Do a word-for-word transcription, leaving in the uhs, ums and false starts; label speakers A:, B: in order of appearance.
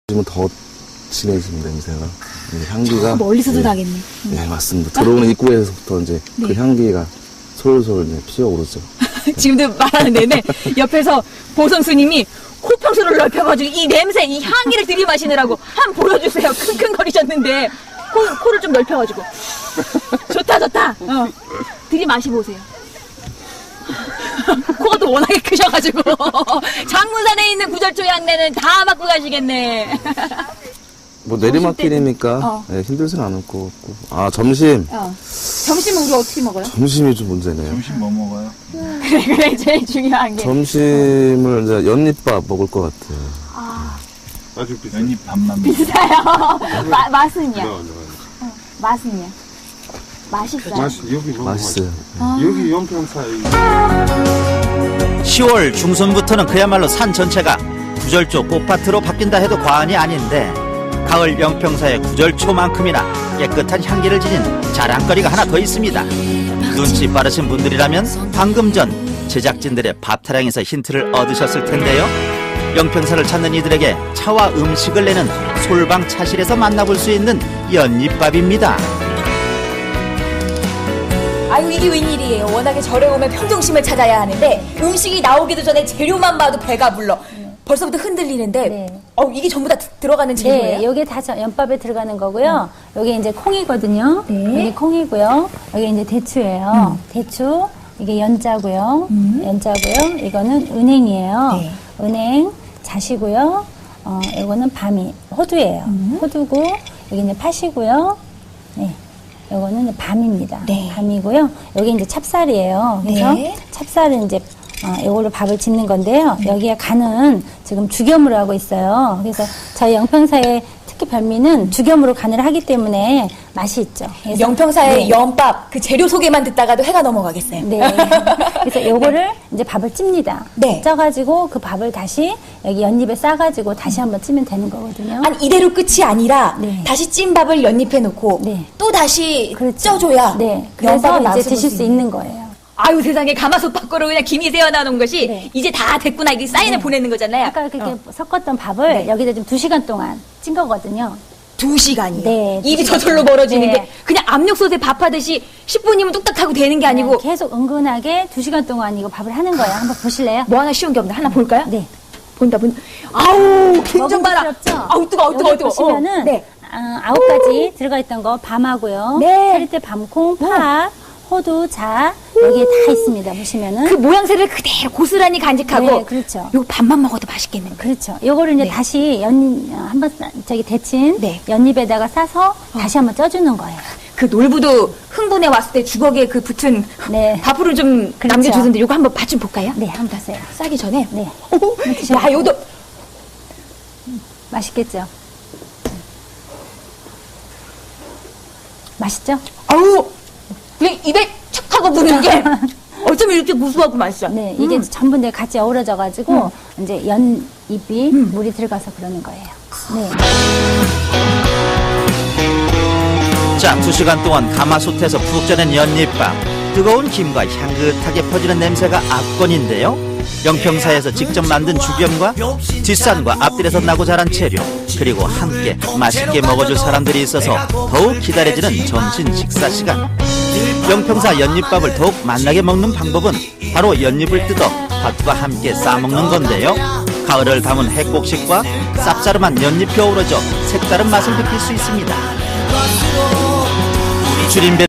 A: 지금 더 진해지는 냄새가 향기가
B: 멀리서도
A: 네,
B: 나겠네.
A: 네 맞습니다. 들어오는 입구에서부터 이제
B: 네.
A: 그 향기가 솔솔 이제 피어오르죠.
B: 지금도 말하는 내내 옆에서 보성 스님이 코평수를 넓혀가지고 이 냄새, 이 향기를 들이마시느라고 한 번 보여주세요. 킁킁거리셨는데 코, 코를 좀 넓혀가지고 좋다 좋다. 어. 들이마시보세요. 코가 또 워낙에 크셔가지고 장문산에 있는 구절초 향내는 다 맡고 가시겠네.
A: 뭐 내리막길이니까
B: 어.
A: 네, 힘들진 않을 것 같고. 아 점심.
B: 어. 점심은 우리 어떻게 먹어요?
A: 점심이 좀 문제네요.
C: 점심 뭐 먹어요?
B: 그래 그래 제일 중요한 게.
A: 점심을 이제 연잎밥 먹을 것 같아요.
B: 아
C: 아주 비싸. 연잎 밥만
B: 비싸요. 마, 맛은요?
C: 먹어.
B: 어, 맛은요? 맛있어요.
C: 맛이 여기 너무
A: 맛있어요.
B: 아.
C: 여기 연평사에
D: 시월 중순부터는 그야말로 산 전체가 구절초 꽃밭으로 바뀐다 해도 과언이 아닌데 가을 영평사의 구절초만큼이나 깨끗한 향기를 지닌 자랑거리가 하나 더 있습니다. 눈치 빠르신 분들이라면 방금 전 제작진들의 밥타령에서 힌트를 얻으셨을 텐데요. 영평사를 찾는 이들에게 차와 음식을 내는 솔방 차실에서 만나볼 수 있는 연잎밥입니다.
E: 아유 이게 웬일이에요. 워낙에 절에 오면 평정심을 찾아야 하는데 음식이 나오기도 전에 재료만 봐도 배가 불러. 벌써부터 흔들리는데
F: 네.
E: 어 이게 전부 다 들어가는 재료예요?
F: 네, 여기 다 저- 연밥에 들어가는 거고요. 여기 이제 콩이거든요.
E: 네.
F: 여기 콩이고요. 여기 이제 대추예요. 대추, 이게 연자고요. 연자고요. 이거는 은행이에요.
E: 네.
F: 은행, 자시고요. 어, 이거는 밤이, 호두예요. 호두고, 여기 이제 팥이고요. 네. 요거는 이제 밤입니다.
E: 네.
F: 밤이고요. 여기 이제 찹쌀이에요. 그래서
E: 네.
F: 찹쌀은 이제 어, 이걸로 밥을 짓는 건데요. 여기에 간은 지금 죽염으로 하고 있어요. 그래서 저희 영평사의 특히 별미는 죽염으로 간을 하기 때문에 맛이 있죠. 그래서
E: 영평사의
F: 네.
E: 연밥 그 재료 소개만 듣다가도 해가 넘어가겠어요.
F: 네. 그래서 요거를 이제 밥을 찝니다.
E: 네.
F: 쪄가지고 그 밥을 다시 여기 연잎에 싸가지고 다시 한번 찌면 되는 거거든요.
E: 아니 이대로 끝이 아니라
F: 네.
E: 다시 찐 밥을 연잎에 놓고
F: 네.
E: 또 다시
F: 그렇죠.
E: 쪄줘야
F: 네. 그래서
E: 연밥을
F: 이제
E: 맛을
F: 드실
E: 볼
F: 수 있는 거예요.
B: 아유 세상에 가마솥 밖으로 그냥 김이 새어나온 것이
F: 네.
B: 이제 다 됐구나 이게 사인을 보내는 거잖아요.
F: 아까 그렇게 섞었던 밥을
B: 네.
F: 여기다 지금 두 시간 동안 찐 거거든요.
B: 두 시간이요.
F: 네, 두
B: 입이
F: 시간.
B: 저절로 멀어지는
F: 네.
B: 게 그냥 압력솥에 밥하듯이 십 분이면 뚝딱 하고 되는 게 아니고
F: 계속 은근하게 두 시간 동안 이거 밥을 하는 거예요. 한번 보실래요?
B: 뭐 하나 쉬운 게 없나? 하나 볼까요?
F: 네.
B: 본다 본다. 아우 김좀 봐라.
F: 먹음직스럽죠?
B: 아우 뜨거워 뜨거워
F: 여기
B: 뜨거워.
F: 보시면은
B: 어, 네.
F: 아, 아홉 가지 들어가 있던 거 밤하고요.
B: 네.
F: 차리대 밤콩, 팥, 호두, 자 여기에 다 있습니다. 보시면은
B: 그 모양새를 그대로 고스란히 간직하고
F: 네, 그렇죠.
B: 요 밥만 먹어도 맛있겠는데.
F: 그렇죠. 요거를 이제
B: 네.
F: 다시 연 어, 한번 싸- 저기 데친
B: 네.
F: 연잎에다가 싸서 다시 한번 쪄주는 거예요.
B: 그 놀부도 흥분해 왔을 때 주걱에 그 붙은
F: 네.
B: 밥으로 좀
F: 그렇죠.
B: 남겨주던데 요거 한번 맛 좀 볼까요?
F: 네, 한번 보세요.
B: 싸기 전에.
F: 네.
B: 오,
F: 드셔보세요.
B: 야 요도
F: 맛있겠죠? 맛있죠?
B: 아우 그냥 입에 착 하고 부는 게 어쩜 이렇게 구수하고 맛있어.
F: 네, 이게 전부 이제 같이 어우러져가지고 이제 연잎이 물이 들어가서 그러는 거예요. 네.
D: 자, 두 시간 동안 가마솥에서 푹 쪄낸 연잎밥. 뜨거운 김과 향긋하게 퍼지는 냄새가 압권인데요. 영평사에서 직접 만든 죽염과 뒷산과 앞뜰에서 나고 자란 재료, 그리고 함께 맛있게 먹어줄 사람들이 있어서 더욱 기다려지는 점심 식사 시간. 영평사 연잎밥을 더욱 맛나게 먹는 방법은 바로 연잎을 뜯어 밥과 함께 싸먹는 건데요. 가을을 담은 핵곡식과 쌉싸름한 연잎이 어우러져 색다른 맛을 느낄 수 있습니다. 줄임배